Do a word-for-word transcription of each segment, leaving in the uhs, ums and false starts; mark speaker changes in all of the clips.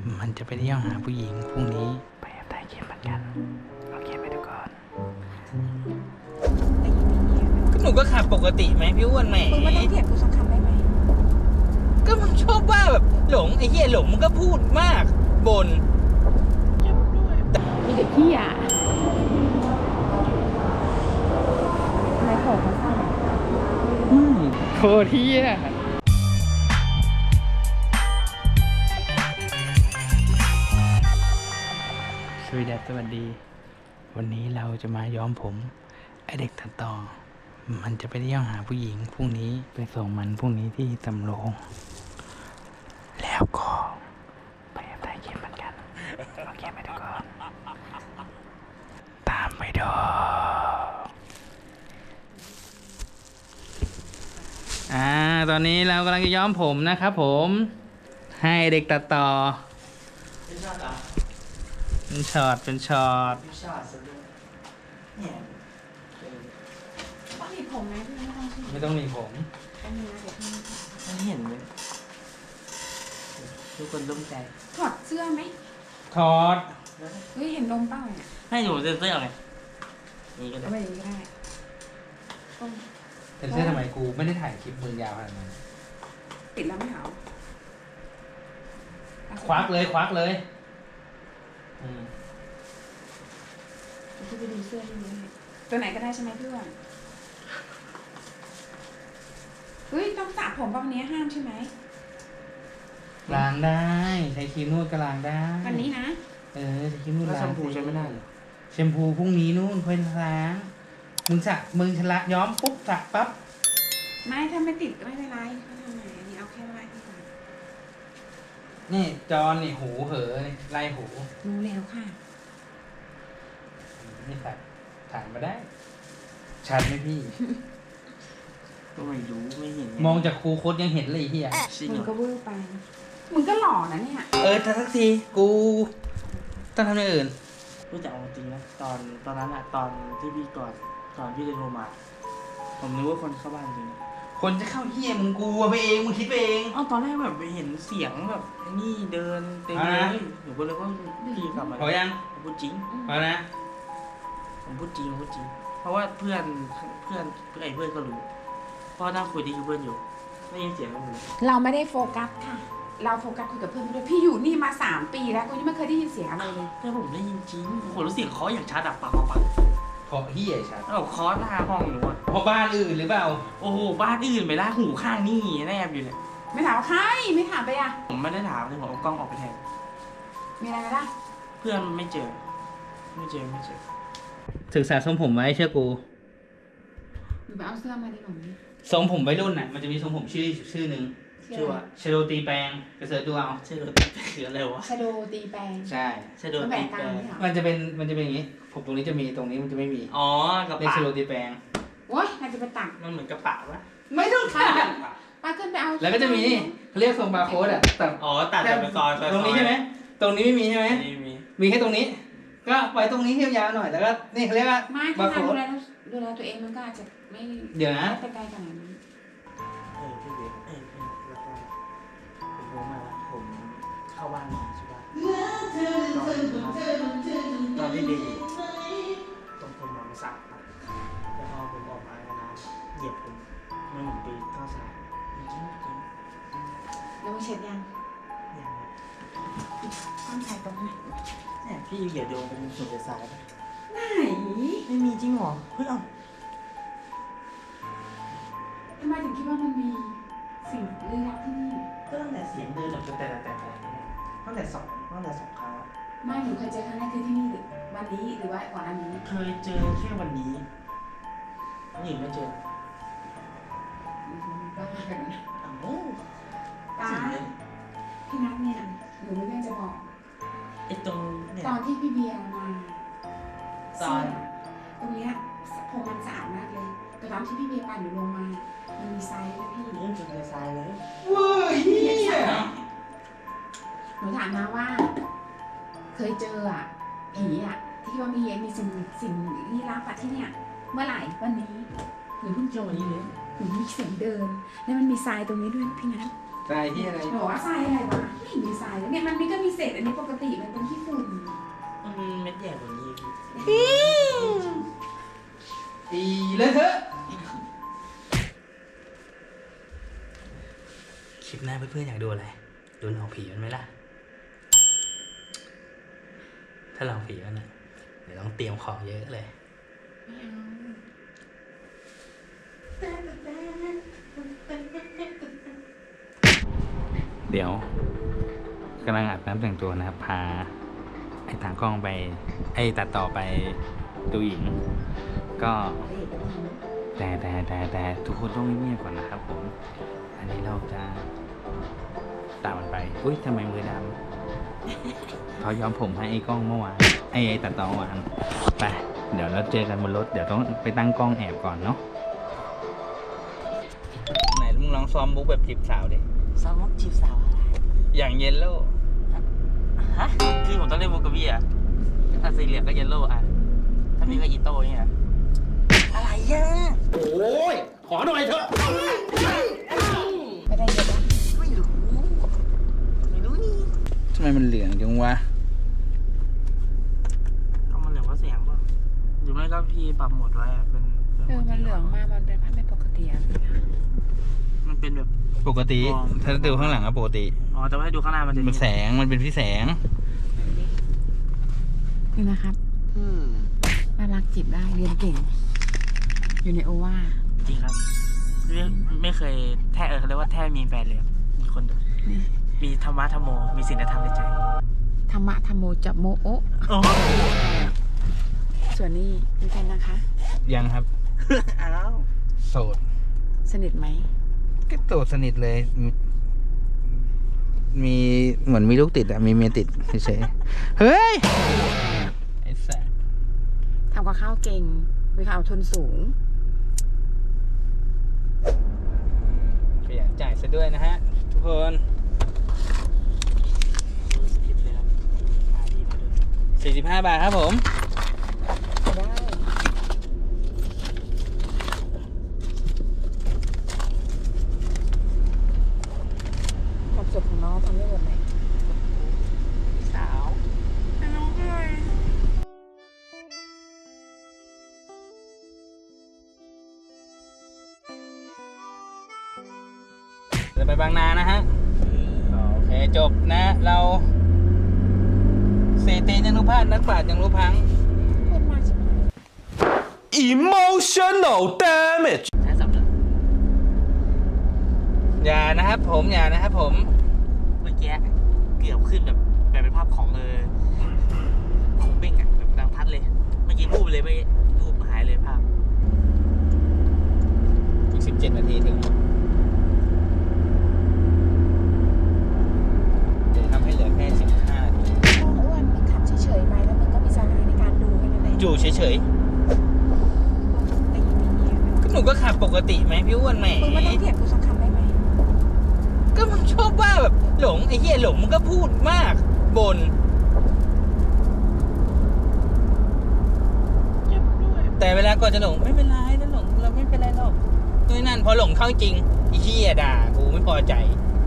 Speaker 1: มันจะไปเที่ยวหาผู้หญิงพรุ่งนี้ไปแอบถ่ายคลิปเหมือนกันโอเคไปดูก่อนก็หนูก็ขับปกติไหมพี่อ้วนแหม
Speaker 2: มึงไม่ต้องเถียงกูสักคำได้ไหม
Speaker 1: ก็มึงชอบว่าแบบหลงไอ้เหี้ยหลงมึงก็พูดมากบ่น
Speaker 2: มีเด็กพี่อ่ะอะไรของเขาสั่ง
Speaker 1: โคตรเหี้ยสวัสดีสวัสดีวันนี้เราจะมาย้อมผมไอเด็กตัดต่อมันจะไปเที่ยวหาผู้หญิงพรุ่งนี้ไปส่งมันพรุ่งนี้ที่สำโรงแล้วก็ไปแอบถ่ายคลิปเหมือนกันโอเคไปดูก่อนตามไปดูอ่าตอนนี้เรากำลังจะย้อมผมนะครับผมให้เด็กตัดต่อเป็นช็อตเหรอเป็นช็อตเป็นช็อต
Speaker 3: ช็อตซะด้วยเนี่ย
Speaker 2: ต้องหนีบผมไหมพี่ไม่ต้องใช่ไหม
Speaker 1: ไม่ต้องมีผม
Speaker 2: ต้องมีนะเดี๋ยวพี่
Speaker 3: มันเห็นเลยทุกคนร่วมใจ
Speaker 2: ถอดเสื้อไหม
Speaker 1: ถอด
Speaker 2: เฮ้ยเห็นนมเปล่าเนี่ย
Speaker 3: ให้หนูเซ็นเซอร์ไงนี่ก็ได้
Speaker 2: เอาไปอย่างนี้ก็ได้ต้อง
Speaker 1: เป็นเสื้อทำไมกูไม่ได้ถ่ายคลิปมือยาวขนาดนั้น
Speaker 2: ติดแล้วไม่เหรอ
Speaker 1: ควักเลยควักเลยอืม
Speaker 2: เดี๋ยวพี่ไปดูเสื้อที่นี่ตัวไหนก็ได้ใช่ไหมพี่อ้วนเฮ้ยต้องสระผมป่ะวันนี้ห้ามใช่ไหม
Speaker 1: ล้างได้ใช้ครีมนวดก็ล้างได้
Speaker 2: วันนี้นะ
Speaker 1: เออใช้ครีมนวด
Speaker 3: แล้ว
Speaker 1: ล้า
Speaker 3: แช
Speaker 1: ง
Speaker 3: มพูใช้ไม่ได้เหรอ
Speaker 1: แชมพูพรุ่งนี้นู่นค่อยล้างมึงสระมึงชละย้อมปุ๊บสระปั๊บ
Speaker 2: ไม่ถ้าไม่ติดก็ไม่เป็นไรเขาทำไงอันนี้เอาแค่ไล่ที่ก่อน
Speaker 1: นี่จอนนี่หูเหอนี่ไล่หู
Speaker 2: รู้แล้วค่ะ
Speaker 1: นี่สัตว์ถ่ายมาได้ ชัดไหมพี่
Speaker 3: ก็ไม่รู้ไม่เห็นไ
Speaker 1: มองจากครูโคตยังเห็นเลยไอ้เฮีย
Speaker 3: ชิง
Speaker 2: มึ
Speaker 3: เห
Speaker 2: ง
Speaker 3: ร
Speaker 2: ก็
Speaker 3: อ
Speaker 2: เวอร์ไปมึงก็หล่อนะเนี่ย
Speaker 1: เออถ้าสักทีกูต้องทำอย่างอื่น
Speaker 3: รู้จักจริงนะตอนตอนนั้นอะตอนที่พี่ก่อนก่อนพี่จะโทรมา ผมนึกว่าคนเข้าบ้านจริงนะ
Speaker 1: คนจะเข้าเฮียมึงกลัวไปเองมึงคิดไปเอง
Speaker 3: อ้าวตอนแรกแบบไปเห็นเสียงแบบไอ้นี่เดินเต็ม
Speaker 1: เอา
Speaker 3: เล
Speaker 1: นะ
Speaker 3: ยหนูก็เลยว่าพี่กลับมา
Speaker 1: พอยัง
Speaker 3: ผมพูดจริง
Speaker 1: พอนะ
Speaker 3: ผมพูดจริงผมพูดจริง เพราะว่าเพื่อนเพื่อนเพื่อนไอ้เพื่อนก็รู้เพราะนั่งคุยดีกับเพื่อนอยู่ได้ยินเสียงกันหมดเลย
Speaker 2: เราไม่ได้โฟกัสค่ะ เราโฟกัสคุยกับเพื่อนไปด้วยพี่อยู่นี่มาสามปีแล้วกูยังไม่เคยได้ยินเสียงอะไรเลย
Speaker 3: แต่ผมได้ยินจริงผมรู้เสียงเคาะอย่างชัดอะปังปังปัง
Speaker 1: เพราะเฮียชัด
Speaker 3: แล้วเคาะหน้าห้องหนูอะ
Speaker 1: เพราะบ้านอื่นหรือเปล่า
Speaker 3: โอ้โหบ้านอื่นไปละหูข้างนี่แนบอยู่เนี่ย
Speaker 2: ไม่ถามว่าใครไม่ถามไปอ่ะ
Speaker 3: ผมไม่ได้ถามเลยผมเอากล้องออกไปแทน
Speaker 2: มีอะไรไหมล่ะ
Speaker 3: เพื่อนไม่เจอ ไม่เจอไม่เจอ
Speaker 1: ศึกษาทรงผมไว้เชื่อกู
Speaker 2: หนูไปเอาเสื้อมาดิหนู
Speaker 1: ทรงผมวัยรุ่นน่ะมันจะมีทรงผมชื่อชื่อหนึ่ง
Speaker 3: ชื่อว่า
Speaker 1: ชโดตีแปลงไปเสิร์ชดูเอา
Speaker 3: ชื่อรถคืออะไรวะ
Speaker 2: ชาโดตีแปลง
Speaker 1: ใช่
Speaker 3: ชื่อรถ
Speaker 2: มันแบ่
Speaker 3: ตี
Speaker 2: ง
Speaker 3: แป
Speaker 2: ก
Speaker 3: ล
Speaker 2: ลาง
Speaker 3: ง
Speaker 2: นี่เหรอ
Speaker 1: มันจะเป็นมันจะเป็นอย่างนี้ผมตรงนี้จะมีตรงนี้มันจะไม่มี
Speaker 3: อ๋อกระ
Speaker 1: เรียก
Speaker 3: ปะ
Speaker 1: ชโดตีแปลง
Speaker 2: โอ๊ยน่าจะไปตัก
Speaker 3: มันเหมือนกระปะวะ
Speaker 1: ไม่ต้องขาด
Speaker 2: ป้าขึ้นไปเอา
Speaker 1: แล้วก็จะมีนี่เขาเรียกทรงบาร์โค้ดอ่ะแต่
Speaker 3: อ๋อตัดจากเป็นซอยซอย
Speaker 1: ตรงนี้ใช่ไหมตรงนี้ไม่มีใช่ไหม
Speaker 3: นี่มี
Speaker 1: มีแค่ตรงนี้ ก็ไว้ตรงนี้ยาวๆหน่อยแล้วก็นี่เขาเรียกว่า
Speaker 2: ไม่
Speaker 1: บา
Speaker 2: ถ้า
Speaker 1: ร์โค้
Speaker 2: ดู
Speaker 1: ด
Speaker 2: แลดูแลตัวเองมันก็อาจจะไม่
Speaker 1: เดี๋ยวนะ
Speaker 2: ไม่ไปไกลขนาดนั้น
Speaker 3: เออพี่เบสเออพี่แล้วก็ผมรู้มาแล้วผมเข้าบ้านมาใช่ปะตอนตอนที่เบสอยู่ตรงผมนอนสักแล้วพอผมออกมาแล้วนะเหยียบผมมันเหมือนไปเข้าสายจริงจริง
Speaker 2: แล้วมึงเช็ดยัง
Speaker 3: อย่างเงี้ย
Speaker 2: ต้องใส่ตรงไหน
Speaker 3: เนี่ยพี่อย่าโดนเป็นสุดสายไป
Speaker 2: ไหน
Speaker 3: ไม่มีจริงเหรอเฮ้ยเอ้า
Speaker 2: ทำไมถึงคิดว่ามันมีสิ่งลี้ลับที่นี่
Speaker 3: ก็ตั้งแต่เสียงเดินแบบแต่แต่แต่แต่ตั้งแต่สองตั้งแต่สองครั้งแล้ว
Speaker 2: ไม่หนูเคยเจอครั้งแรกคือที่นี่หรือวันนี้หรือว่าก่อนอันนี้
Speaker 3: เคยเจอแค่วันนี้คนอื่นไม่เจอ
Speaker 2: อืมบ้ากันนะ
Speaker 3: อ้าว
Speaker 2: ตา
Speaker 3: จริงเลย
Speaker 2: พี่นัทเนี่ยหนูไม่เรื่องจะบอก
Speaker 3: ไอ้ตรงเนี่ย
Speaker 2: ตอนที่พี่เบียร์มา
Speaker 3: ตอน
Speaker 2: เสื้อตรงเนี้ยผมมันสะอาดมากเลย แต่ตอนที่พี่เบียร์ปั่นหนูลงมา มันมีไซส์นะพี่
Speaker 3: เรื่องจุดในทรายเลย
Speaker 1: เว้ยเฮีย
Speaker 2: หนูถามนะว่า เคยเจออ่ะผีอ่ะ ที่ว่ามีมีสิ่งสิ่งลี้ลับอะที่เนี่ย เมื่อไหร่วันนี้หนูเพิ่งเจอวันนี้เลยหนูมีเสียงเดิน แล้วมันมีทรายตรงนี้ด้วยนะพี่นัท
Speaker 1: ใส่ที่อะไร
Speaker 2: หนูว่าทรายอะไรวะไม่เห็นมีทรายเลยเนี่ยมันมีก็มีเศษอันนนี้ปกติมันเป็นขี้ฝุ่น
Speaker 3: มันเม็ดใหญ่กว่านี้พี่
Speaker 1: อีเลยเถอะคลิปหน้าเพื่อนๆอยากดูอะไรดูหลอกผีมันไหมล่ะถ้าหลอกผีมันนะเดี๋ยวต้องเตรียมของเยอะเลย
Speaker 2: ไม่เอา
Speaker 1: เดี๋ยวกำลังอาบน้ำแต่งตัวนะครับ พาไอ้ทางกล้องไป ไอ้ตัดต่อไปดูหญิง ก็แต่แต่แต่แต่ทุกคนต้องเงียบๆก่อนนะครับผม อันนี้เราจะตามมันไป อุ้ยทำไมมือดำเขาย้อมผมให้ไอ้กล้องเมื่อวานไอ้ไอ้ตัดต่อเมื่อวานไปเดี๋ยวเราเจอกันบนรถเดี๋ยวต้องไปตั้งกล้องแอบก่อนเนาะไหนมึงลองซ้อมบุ๊กแบบจีบสาวดิ
Speaker 3: ซ้อมมุกจีบสาวอะไร
Speaker 1: อย่างเยลโล่
Speaker 3: ฮะคือผมต้องเล่นมุกกับพี่อ่ะถ้าสีเหลืองก็เยลโล่อ่ะถ้าพี่ก็อีโต้เนี่ยอะไรอ่ะโอ้ยขอหน่อยเถอะ
Speaker 2: ไม่ได้เยอะนะ
Speaker 3: ไม่รู้ไม่รู้นี่
Speaker 1: ทำไมมันเหลืองจังวะ
Speaker 3: เอามันเหลืองเพราะเสียงป่ะหรือไม่ก็พี่ปรับโหมดไว้อะเป็นป็
Speaker 2: เออมันเหลืองมากมันเป็นภาพไม่ปกติอะพี่นะ
Speaker 3: มันเป็นแบบ
Speaker 1: ปกติ
Speaker 3: อ๋อ
Speaker 1: ถ้าดูข้างหลังอะปกติ
Speaker 3: อ๋อแต่ว่าให้ดูข้างหน้ามันจะ
Speaker 1: มันแสงมันเป็นพี่แสง
Speaker 2: นี่นะครับ
Speaker 3: อืม
Speaker 2: น่ารักจีบได้เรียนเก่ง อยู่ในโอวา
Speaker 3: จริงครับไม่ไม่เคยแท้เออเขาเรียกว่าแท้มีแฟนเลยครับมีคน
Speaker 2: นี่
Speaker 3: มีธรรมะธรรมโม มีศีลธรรมในใจ
Speaker 2: ธรรมะธรรมโมจับโมโอะ
Speaker 3: โอ้
Speaker 2: ส่วนนี้มีแฟนนะคะ
Speaker 1: ยังครับ
Speaker 3: อ้าว
Speaker 1: โสด
Speaker 2: สนิทไหม
Speaker 1: ก็โสดสนิทเลย มีมีเหมือนมีลูกติดอะมีเมียติดเฉยๆเฮ้ย ไอ้แสบ
Speaker 2: ทำกับข้าวเก่งมีความอดทนสูง
Speaker 1: ขยันจ่ายซะด้วยนะฮะ ทุกคน
Speaker 3: รู้สึกผิดเลยครับมาดีมาด้วย
Speaker 1: สี่สิบห้าบาทครับผม
Speaker 2: ได้ความสุขของน้องทำได้หมดเลย
Speaker 3: สาวน้องเลย
Speaker 1: จะไปบางนานะฮะ โอเค จบนะ เราสี่ตีนยังรู้พลาดนักปราชญ์ยังรู้พัง
Speaker 2: พูดมากใช่ไหม
Speaker 4: Emotional damage
Speaker 3: ใช้สับเลย
Speaker 1: อย่านะครับผมอย่านะครับผม
Speaker 3: เมื่อกี้เกือบขึ้นแบบแบบเป็นภาพของเออของเบ้งอะแบบดังพัดเลย เมื่อกี้รูปเลยไม่รูปหายเลยภาพ
Speaker 1: อีกสิบเจ็ดนาทีถึงจะทำให้เหลือแค่สิบห้านาที
Speaker 2: อ้วนมึงขับเฉยๆไปแล้วมึงก็มีสมาธิในการดูแค่นั้นเอง
Speaker 1: อยู่เฉย
Speaker 2: แต่ยินดีๆ
Speaker 1: ๆก็หนูก็ขับปกติไหมพี่อ้วนแหม
Speaker 2: มึงไม่ต้องเถียงกูสักคำได้ไหม
Speaker 1: ก็มึงชอบว่าแบบหลงไอ้เหี้ยหลงมึงก็พูดมากบน
Speaker 3: เจ็บด้วย
Speaker 1: แต่เวลาก่อนจะหลงไม่เป็นไรนะหลงเราไม่เป็นไรหรอกนู่นนั่นพอหลงเข้าจริงไอ้เหี้ยด่ากูไม่พอใจ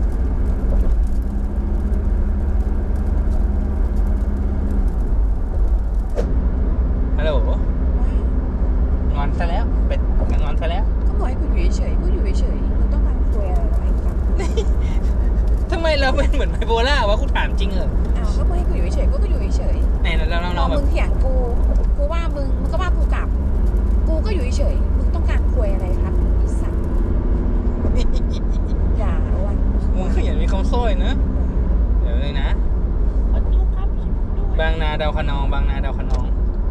Speaker 1: ฮัลโหลงอนซะแล้วเป็ดงอนซะแล้ว
Speaker 2: ก็บอกให้กูอยู่เฉยๆกูอยู่เฉยๆมึงต้องการคุยอะไรกับไอ้ฟัง
Speaker 1: ทำไมเราเป็นเหมือนไบโพล่าวะกูถามจริงเหรอ
Speaker 2: อ้าวก็บอกให้กูอยู่เฉยๆกูก็อยู่เฉย
Speaker 1: ไหนเราเรา
Speaker 2: ๆพ
Speaker 1: เรา
Speaker 2: อ
Speaker 1: แบ
Speaker 2: มึ
Speaker 1: บ
Speaker 2: งเถียงกู กูว่ามึง มึงก็ว่ากูกลับ กูก็อยู่เฉยๆมึงต้องการคุยอะไรครับอีสัตว์อย่าอ้วน
Speaker 1: มึงขยันมีคำโซ่ยนะเดี๋ยวเลยนะ
Speaker 3: ขอดูครับคลิปด้วย
Speaker 1: บางนาดาวคะนอง บางนาดาวคะนอง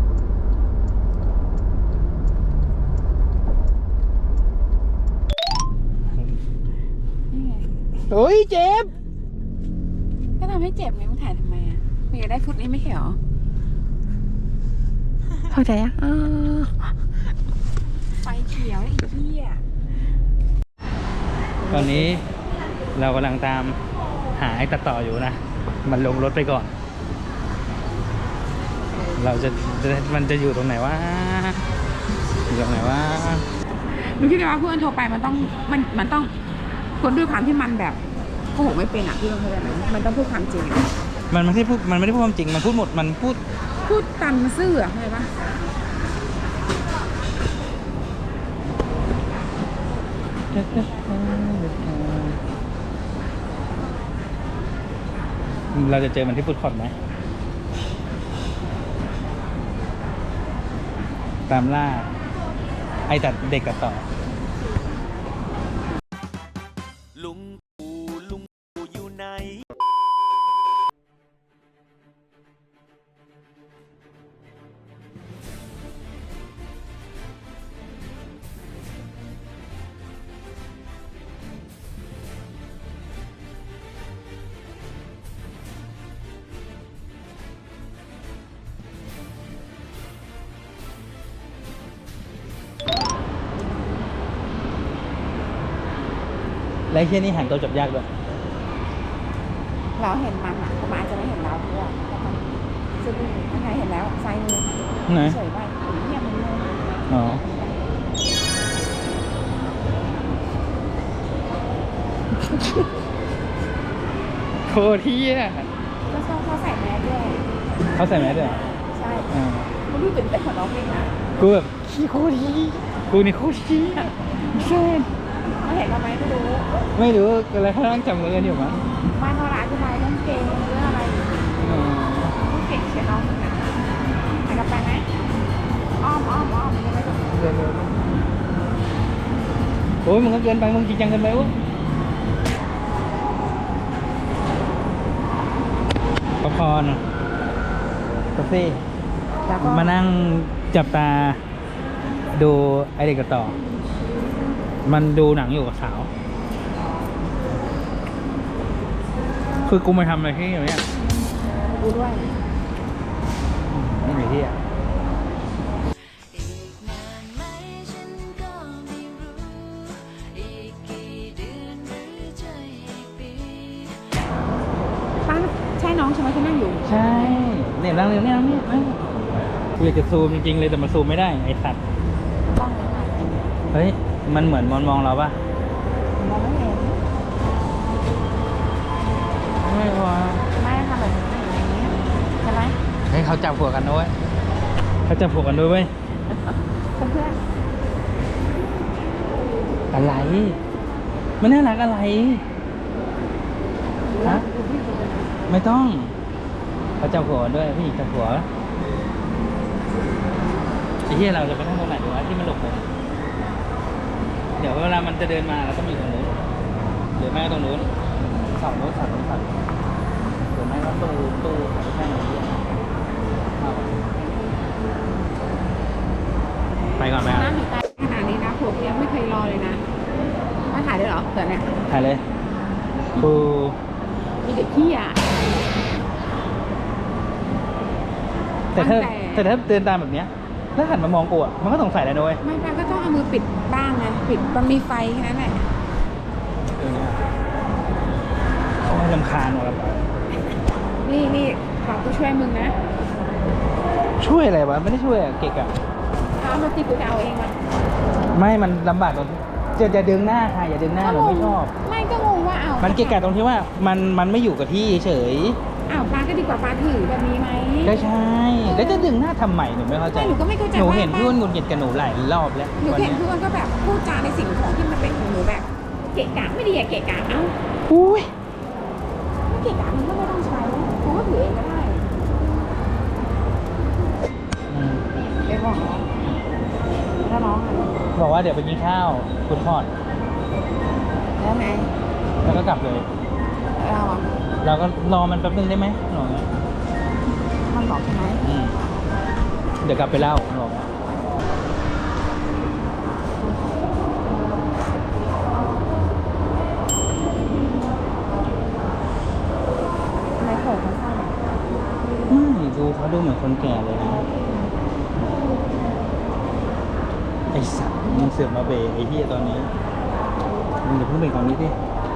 Speaker 2: นี่ไง
Speaker 1: โอ้ยเจ็บ
Speaker 2: ก็ทำให้เจ็บไงมึงถ่ายทำไมอ่ะมึงอยากได้ฟุตนี้ไม่ใช่เหรอเข้าใจยังอ้าวไฟเขียวไอ้เหี้ย
Speaker 1: ตอนนี้เรากำลังตามหาไอ้ตัดต่ออยู่นะ มันลงรถไปก่อน เราจะจะมันจะอยู่ตรงไหนวะ อยู่ตรงไหนวะ
Speaker 2: หนูคิดว่าเพื่อนโทรไปมันต้องมันมันต้องคนด้วยความที่มันแบบโกหกไม่เป็นอ่ะพี่ต้องเข้าใจไหมมันต้องพูดความจริงอะ
Speaker 1: มันไม่ได้พูดมันไม่ได้พูดความจริงมันพูดหมดมันพูด
Speaker 2: พูดตันซื่ออะเข้าใจปะ
Speaker 1: เราจะเจอมันที่ฟุตคอร์ทไหมตามล่าไอ้ตัดเด็กตัดต่อ
Speaker 4: ลุงปู่ลุงปู่อยู่ไหน
Speaker 1: และไอ้เชี่ยนี่หันตัวจับยากด้วย
Speaker 2: เราเห็นมันอะแต่มันอาจจะไม่เห็นเราด้วยแต่มันซึ่งถ้าใครเห็นแล้วซ้ายมือ
Speaker 1: ไหน
Speaker 2: เฉยไปเงียบมันเลย
Speaker 1: อ๋อโคตรเที่ย
Speaker 2: ก็ชอบเขาใส่แมสด้วย
Speaker 1: เขาใส่แมสด้วยเหรอ
Speaker 2: ใช่
Speaker 1: อ่า
Speaker 2: มันดูเป็นแต่คนร้องเพลงนะ
Speaker 1: กูแบบขี้โคตรเที่ยกูนี่โคตรเที่ยเช่น
Speaker 2: เขาเห็นเราไหมไม่รู้
Speaker 1: ไม่รู้อะไรเขาตั้งจำมือกันอยู่มั้ง
Speaker 2: บ้านเขาร้านอธิบายเรื่องเกมเรื่องอะไร
Speaker 1: อ๋อ
Speaker 2: พูดเก่งเชียร์น้องมึงนะไปกับไปไหมอ้อมอ้อมอ้อมยังไม่ต้อง
Speaker 1: เดินเร็วโอ้ยมึงก็เกินไปมึงจริงจังเกินไปวะป๊อปคอร์นกาแฟ
Speaker 2: แล้วก็
Speaker 1: มานั่งจับตาดูไอเด็กกับต่อ มันดูหนังอยู่กับสาว คือกูมาทำอะไรที่อย่างเนี้ย
Speaker 2: กูด้วย
Speaker 1: นี่ไหนที่อ่ะ
Speaker 5: อีกนานไหมฉันก็ไม่รู้ อีกกี่เดือนหรือจะอีกปี
Speaker 2: ป้าใช่น้องใช่ไหมที่นั่งอยู่
Speaker 1: ใช่เนี่ยนั่งเนี่ยนั่งเนี่ยนั่งกูอยากจะซูมจริงๆเลยแต่มันซูมไม่ได้ไอสัตว์
Speaker 2: ต้องเลยค่ะ
Speaker 1: เฮ้ย มันเหมือนมองมองเราปะ
Speaker 2: มองไม่เห็น
Speaker 1: ไม่วะ
Speaker 2: ไม่ค่ะแบบอย่างนี้ใช่ไหม
Speaker 1: เฮ้ยเขาจับหัวกันด้วยเขาจับหัวกันด้วยเว้ย
Speaker 2: เพื่อน
Speaker 1: อะไร มันน่ารักอะไร
Speaker 2: ๆ
Speaker 1: ฮะ ไม่ต้องเขาจับหัวกันด้วยพี่หญิงจับหัวไอ้เหี้ยเราจะไปนั่งตรงไหนดีวะที่มันหลบมุมเดี๋ยวเวลามันจะเดินมาเราต้องอยู่ตรงนู้นหรือไม่ก็ตรงนู้นเสาโน้นเสาโน้นเสาโน้นหรือไม่ก็ตู้ตู้ขายแค่ไหนเหี้ยเอาไปก่อนไปก่อน
Speaker 2: น้ำอยู่ใต้ขนาดนี้นะผมยังไม่เคยรอเลยนะมาถ่ายได้เหรอเกิดเนี่ย
Speaker 1: ถ่ายเลยกู
Speaker 2: มีเด็กขี้อ่ะ
Speaker 1: แต่ถ้า
Speaker 2: ตั้งแต่
Speaker 1: แต่ถ้าเดินตามแบบเนี้ยแล้วหันมามองกูอ่ะมันก็สงสัยแหละนุ้ย
Speaker 2: ไม่ป้าก็ต้องเอามือปิดบ้างไงปิดมันมีไฟแค่นั้นแหละ
Speaker 1: เออเนี่ยเขาให้รำคาญว่ะ
Speaker 2: นี่นี่ขอกูช่วยมึงนะ
Speaker 1: ช่วยอะไรวะไม่ได้ช่วยอะเกะกะ
Speaker 2: เอามาตีกูจะเอาเองมัน
Speaker 1: ไม่มันลำบากตรงจะจะดึงหน้าค่ะอย่าดึงหน้าหนูไม่ชอบ
Speaker 2: ไม่ก็งงว่าเอา
Speaker 1: มั
Speaker 2: มัน
Speaker 1: เกะกะตรงที่ว่ามันมันไม่อยู่กับที่เฉย
Speaker 2: อ้าวป้าก็ดีกว่าป้าถือแบบนี้ไหม
Speaker 1: ก็ใช่แล้วจะดึงหน้าทำไมหนูไม่เข้าใจ
Speaker 2: ไม่หนูก็ไม่เข้าใจ
Speaker 1: หนู
Speaker 2: ว่า
Speaker 1: เห็นพี่อ้วนหงุดหงิดกับหนูหลายรอบแล้ว
Speaker 2: หนู
Speaker 1: วัน
Speaker 2: เห็น
Speaker 1: เนี้ย
Speaker 2: พี่อ้วนก็แบบพูดจาในสิ่งของที่มันเป็นของหนูแบบ เกะกะไม่ดีอะเกะกะเอ้า
Speaker 1: อุ้ย
Speaker 2: ไม่เกะกะมันก็ไม่ต้องใช้กูก็ถือเองก็ได้
Speaker 1: อืม
Speaker 2: ไปบอกน้องแล้วน้องอะ
Speaker 1: บอกว่าเดี๋ยวไปกินข้าวคุณพอด
Speaker 2: แล้วไง
Speaker 1: แล้วก็กลับเลย
Speaker 2: เราอะ
Speaker 1: เราก็รอมันแป๊บนึงได้ไหมหนูบอก
Speaker 2: มันบอกใช่ไหม
Speaker 1: อืมเดี๋ยวกลับไปเล่าหนูบอก
Speaker 2: ทำไมโผล่มันสั้นอะ
Speaker 1: ไม่ดูเขาดูเหมือนคนแก่เลยนะไอสัตว์มึงเสือกมาเบรกไอ้เหี้ยตอนนี้มึงอย่าเพิ่งเบรกตอนนี้ดิ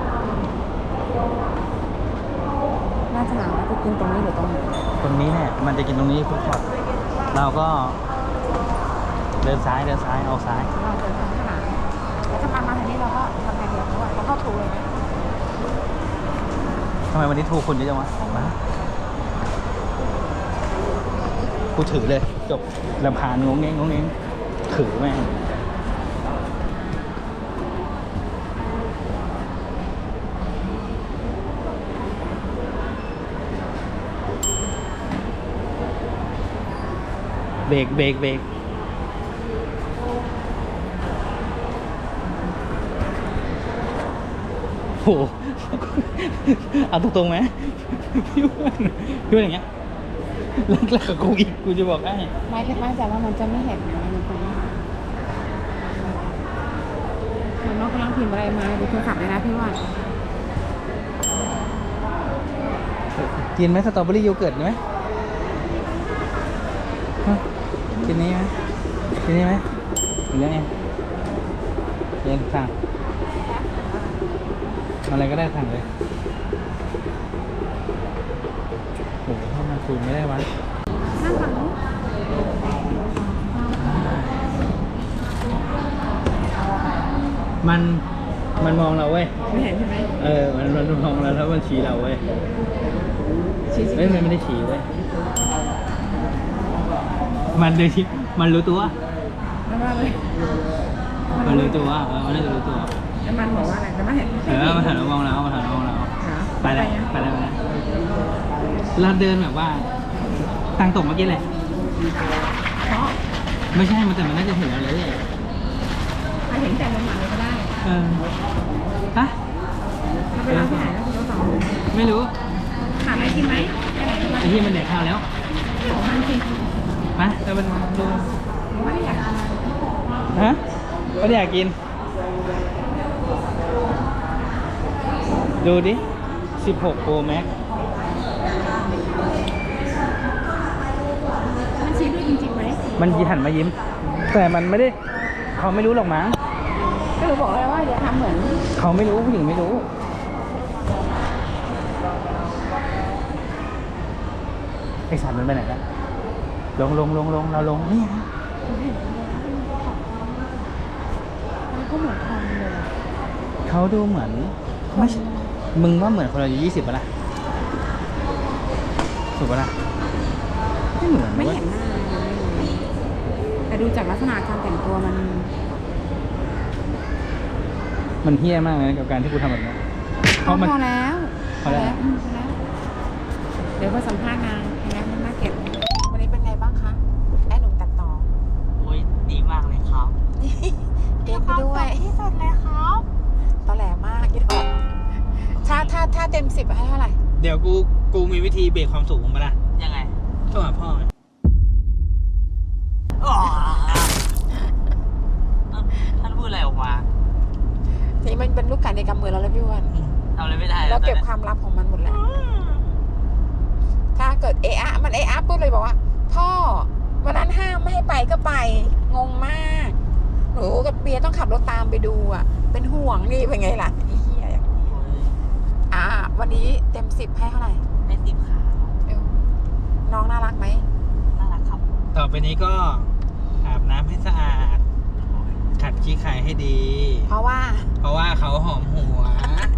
Speaker 2: น่าจะถามว่าจะกินตรงนี้หรือตรงไหน
Speaker 1: ตรงนี้เนี่ยมันจะกินตรงนี้ฟุตคอร์ทเราก็ เดินซ้ายเดินซ้ายเอาซ้าย
Speaker 2: เราเดินทางขนาดแล้วถ้ามามาทางนี้เราก็ทำงานเดียวด้วยเราเข้าถูเลยไหม
Speaker 1: ทำไมวันนี้ทูคุณเยอะจังวะมากูถือเลยจบลำพานงงเง้งงงเง้งถือแม่งเบรกเบรกเบรกโห เอาตรงๆไหมพี่อ้วนพี่อ้วนอย่างเงี้ยแรกๆกับกูอีกกูจะบอกให้
Speaker 2: ไม่คิดมั่นใจว่ามันจะไม่เห็นนะมันคงเหมือนน้องกำลังพิมพ์อะไรมาดูโทรศัพท์เลยนะพี่ว่า
Speaker 1: กินไหมสตรอเบอรี่โยเกิร์ตไหมฮะกินนี้ไหมกินนี้ไหมหรือยังไงเย็นสั่งอะไรก็ได้สั่งเลยโอ้โหถ้ามันคุยไม่ได้วะ
Speaker 2: นั่งฝั่งนู้น
Speaker 1: มันมันมองเราเว้ย
Speaker 2: ไม่เห็นใช่ไหม
Speaker 1: เออมันมันมองเราแล้วมันชี้เราเว้ย
Speaker 2: ชี้
Speaker 1: เฮ้ยมันไม่ได้ชี้เว้ยมันเลยชี้มันรู้ตัว
Speaker 2: แล้วว่าเลย
Speaker 1: มันรู้ตัวเออมันน่าจะรู้ตัว
Speaker 2: แล้วมันบอกว่าอะไรแล้วมันเห็น
Speaker 1: เออมาถ่ายเรามองเรามาถ่ายเรามองเรา
Speaker 2: เหรอ
Speaker 1: ไปเลยไปเลยไปเลยเราเดินแบบว่าทางตกเมื่อกี้เลย
Speaker 2: เพราะ
Speaker 1: ไม่ใช่มันแต่มันน่าจะเห็นเราเลย
Speaker 2: ถ้าเห็นแต่ลงมาเลยก็ได้
Speaker 1: เออฮะ
Speaker 2: มันไปร้านที่ไหนแล้วคุณโต๊ะสอง
Speaker 1: ไม่รู้
Speaker 2: หาอะไรกินไหมไปไหนกันบ้าง
Speaker 1: ไอ้ที่มันเด็กข้าวแล้ว
Speaker 2: ของมันสิ
Speaker 1: มาแต่มันดู
Speaker 2: หรือว่าอยากกิน
Speaker 1: ฮะก็อยากกิน ดูดิสิบหก Pro Max
Speaker 2: มันชี้ด้วยจริงๆไหม
Speaker 1: มันหันมายิ้ม แต่มันไม่ได้เขาไม่รู้หรอกมั้ง
Speaker 2: ก็เลยบอกแล้วว่าอย่าทำเหมือน
Speaker 1: เขาไม่รู้ผู้หญิงไม่รู้ไอสัตว์มันไปไหนแล้วลงลงลงลงเราลงนี่ฮะ
Speaker 2: มันก็เหมือนทอมเลย
Speaker 1: เขาดูเหมือนไม่ใช่มึงว่าเหมือนคนอายุยี่สิบปะล่ะถูกปะล่ะไม่เหมือน
Speaker 2: ไม่
Speaker 1: ว้ย
Speaker 2: เห็นหน้าแต่ดูจากลักษณะการแต่งตัวมัน
Speaker 1: มันเฮี้ยมากเลยนะกับการที่กูทำแบบนี้เพราะมัน
Speaker 2: พอแล้ว
Speaker 1: พอแล้ว
Speaker 2: อืมพอแล้ว เดี๋ยวมาสัมภาษณ์นางแล้วมันน่าเก็บวันนี้เป็นไงบ้างคะไอ้หนุ่มตัดต่อ
Speaker 3: โอ้ยดีมากเลยครับ
Speaker 2: เก็บไปด้วยที่สุดเลยครับตอแหลมากยึดออกถ้าถ้าถ้าเต็มสิบให้เท่าไหร่
Speaker 1: เดี๋ยวกูกูมีวิธีเบรกความสูงมึงปะล่ะ
Speaker 3: ยังไง
Speaker 1: โทรหาพ่อไง
Speaker 3: อ๋อท่านพูดอะไรออกมา
Speaker 2: นี่มันเป็นลูกไก่ในกำมือเราแล้วพี่อ้วัน
Speaker 3: ทำอะไรไม่ได้
Speaker 2: เราเก็บ
Speaker 3: ตอนนี้
Speaker 2: ความลับของมันหมดแล้ว ถ้าเกิดเอะอะมันเอะอะปุ๊บเลยบอกว่า พ่อวันนั้นห้ามไม่ให้ไปก็ไป งงมากหนูกับเบียร์ต้องขับรถตามไปดูอ่ะ เป็นห่วงนี่เป็นไงล่ะไอ้เหี้ยอย่างนี้
Speaker 3: โอ้ย
Speaker 2: อ่า วันนี้เต็มสิบให้เท่าไหร่
Speaker 3: ให้สิบขา
Speaker 2: เอวน้องน่ารักไหม
Speaker 3: น่ารักครับ
Speaker 1: ต่อไปนี้ก็อาบน้ำให้สะอาด ขัดขี้ไข่ให้ดี
Speaker 2: เพราะว่า
Speaker 1: เพราะว่าเขาหอมหัว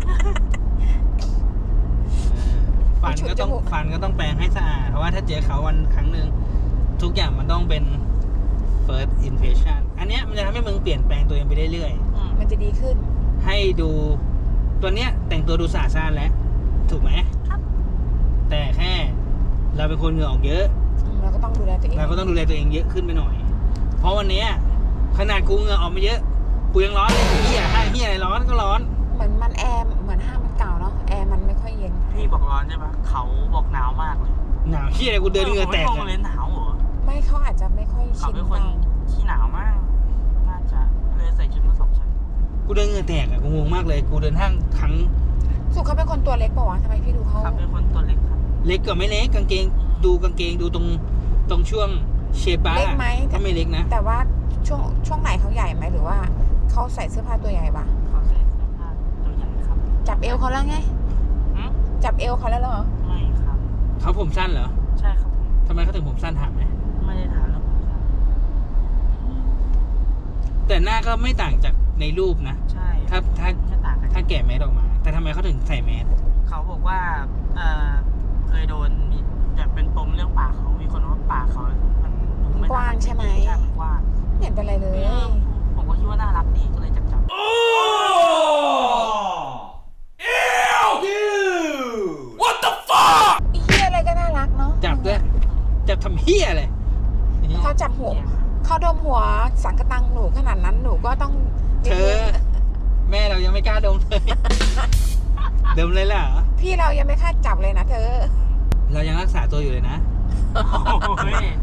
Speaker 1: เออฟันก็ต้องฟันก็ต้องแปรงให้สะอาด เพราะว่าถ้าเจอเขาวันครั้งหนึ่งทุกอย่างมันต้องเป็น first impression อันเนี้ยมันจะทำให้มึงเปลี่ยนแปลงตัวเองไปเรื่อย
Speaker 3: อืม
Speaker 2: มันจะดีขึ้น
Speaker 1: ๆ ให้ดูตัวเนี้ยแต่งตัวดูสะอาดสะอ้านแล้ว ถูกไหม
Speaker 3: ครับ
Speaker 1: แต่แค่เราเป็นคนเหงื่อออกเยอะ
Speaker 2: อืมเราก็ต้องดูแลตัวเอง
Speaker 1: เราก็ต้องดูแลตัวเองเยอะขึ้นไปหน่อย เพราะวันเนี้ยขนาดกูเหงื่อออกมาเยอะ กูยังร้อนเลยเฮียห้าเฮียอะไรร้อนก็ร้อน
Speaker 2: เหมือนมันแอร์เหมือนห้างมันเก่าเนาะแอร์มันไม่ค่อยเย็น
Speaker 3: พี่บอกร้อนใช่ปะเขาบอกหนาวมากเลย
Speaker 1: หนาวเฮียอะไรกูเดินเหงื่อแตก
Speaker 3: ผม
Speaker 1: อะ
Speaker 3: ไม่เลยหนาวเหรอ
Speaker 2: ไม่เขาอาจจะไม่ค่อย
Speaker 3: เขา
Speaker 2: ชิน
Speaker 3: เป็นคน
Speaker 2: เรา
Speaker 3: ขี้หนาวมาก น่าจะเลยใส่ชุดมาสองชั้น
Speaker 1: กูเดินเหงื่อแตกอะกูงงมากเลย กูเดินห้างครั้ง
Speaker 2: สุเขาเป็นคนตัวเล็กป่าวะทำไมพี่ดูเขา
Speaker 3: ครับเป็นคนตัวเล็กครับ
Speaker 1: เล็กกับไม่เล็กกางเกง ดูกางเกงดูตรงตรงช่วงเชปา
Speaker 2: เล็กไหม
Speaker 1: ก็ไม่เล็กนะ
Speaker 2: แต่ว่าช่วงช่วงไหนเขาใหญ่ไหมหรือว่าเขาใส่เสื้อผ้าตัวใหญ่ปะ
Speaker 3: เขาใส่เสื้อผ้าตัวใหญ่ครับ
Speaker 2: จับเอวเขาแล้วไง
Speaker 3: หืม
Speaker 2: จับเอวเขาแล้วเหรอ
Speaker 3: ไม่ครับ
Speaker 1: เขาผมสั้นเหรอ
Speaker 3: ใช่ครับผม
Speaker 1: ทำไมเขาถึงผมสั้นถามไหม
Speaker 3: ไม่ได้ถามแล้วผมครับ
Speaker 1: แต่หน้าก็ไม่ต่างจากในรูปนะ
Speaker 3: ใช่
Speaker 1: ถ้าถ้า
Speaker 3: แค่ต่างกัน
Speaker 1: ถ้าแกะแมสออกมา แต่ทำไมเขาถึงใส่แมส
Speaker 3: เขาบอกว่าเอ่อเคยโดนมีแบบเป็นโปรเรื่องปากเขามีคนว่าปากเขามันดูไม่
Speaker 2: กว้างใช่ไหม
Speaker 3: ใช่มันกว้าง
Speaker 2: ไม่เห็นเป็นไรเลย
Speaker 3: เออผมก็คิดว่าน่ารักดีก็เลยจับจับ
Speaker 2: อีเหี้ยอะไรก็น่ารักเนาะ
Speaker 1: จับด้วยจับทำเฮียอะไร
Speaker 2: เขาจับหัวเขาดมหัวสังกะตังหนูขนาดนั้นหนูก็ต้อง
Speaker 1: เธอ แม่เรายังไม่กล้าดมเลย ดมเลยเหรอ
Speaker 2: พี่เรายังไม่คาดจับเลยนะเธอ
Speaker 1: เรายังรักษาตัวอยู่เลยนะ
Speaker 3: โอ้ย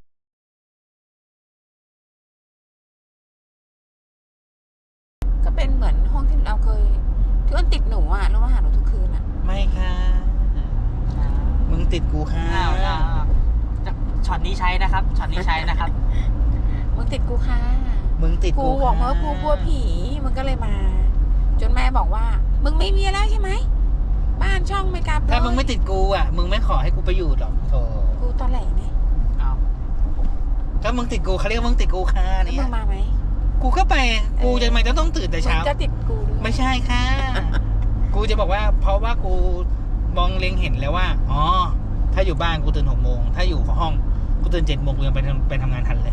Speaker 2: ก็เป็นเหมือนห้องที่เราเคยที่อ้นติดหนูอ่ะแล้วมาหาหนูทุกคืนอ่ะ
Speaker 1: ไม่ค่ะ มึงติดกูค่ะ
Speaker 3: อ้าวอ้าวอ้าวช็อตนี้ใช้นะครับช็อตนี้ใช้นะครับ
Speaker 2: มึงติดกูค่ะ
Speaker 1: มึงติด
Speaker 2: กู
Speaker 1: กู
Speaker 2: บอกมา
Speaker 1: ค่ะ
Speaker 2: ว่ากูกลัวผีมึงก็เลยมา จนแม่บอกว่า มึงไม่มีแล้วใช่ไหมบ้านช่องไม่กลับเลย
Speaker 1: ถ้ามึงไม่ติดกูอ่ะ มึงไม่ขอให้กูไปอยู่หรอกโธ่
Speaker 2: กูตอนแหลเนี่ย
Speaker 3: เอา
Speaker 1: ถ้ามึงติดกูเขาเรียกว่ามึงติดกูค่ะ
Speaker 2: แล้ว
Speaker 1: เนี่
Speaker 2: มึ
Speaker 1: ย
Speaker 2: งมาไหม
Speaker 1: กูก็ไป กูจะทำไมจะต้องตื่นแต่เช้า
Speaker 2: มึงจะติดกูด้วย
Speaker 1: ไม่ใช่ค่ะ กูจะบอกว่า เพราะว่ากูมองเล็งเห็นแล้วว่า อ๋อ ถ้าอยู่บ้านกูตื่นหกโมง ถ้าอยู่ห้องกูตื่นเจ็ดโมงกูยังไปทำไปทำงานทันเลย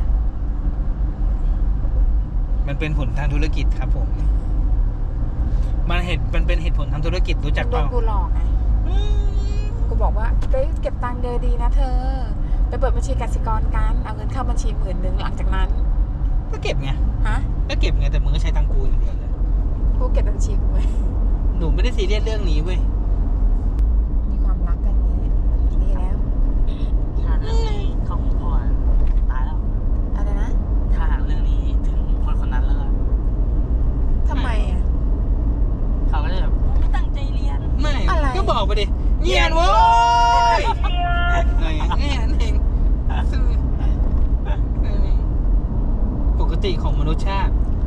Speaker 1: มันเป็นผลทางธุรกิจครับผม มันเหตุมันเป็นเหตุผลทางธุรกิจรู้จัก
Speaker 2: โด
Speaker 1: เป
Speaker 2: น
Speaker 1: ล่า
Speaker 2: กูหลอกไงกูบอกว่าไปเก็บตังค์เดือนดีนะเธอ ไปเปิดบัญชีกสิกรกันเอาเงินเข้าบัญชีหมื่นหนึ่งหลังจากนั้น
Speaker 1: ก็เก็บไง
Speaker 2: ฮะ
Speaker 1: ก็เก็บไงแต่มึงก็ใช้ตังกูอย่างเดียวเลย
Speaker 2: กูเก็บบัญชีกูไว้
Speaker 1: หนูไม่ได้ซีเรียสเรื่องนี้เว้ย
Speaker 2: มีความรักกันอย่างนี้ดีแล้ว
Speaker 3: ถ้าเรื่องนี้เขาคงพอตายแล้ว
Speaker 2: อะไรนะ
Speaker 3: ถ้าหากเรื่องนี้ถึงคนคนนั้นแล้วก็
Speaker 2: ทำไมอ่ะ
Speaker 3: เขาก็จะแบบไม่ตั้งใจเรียน
Speaker 1: ไม่
Speaker 2: อะไร
Speaker 1: ก็บอกไปดิเงียนโว้ยอะไรอย่างเงี้ยนั่นเองปกติของมนุษยชาติ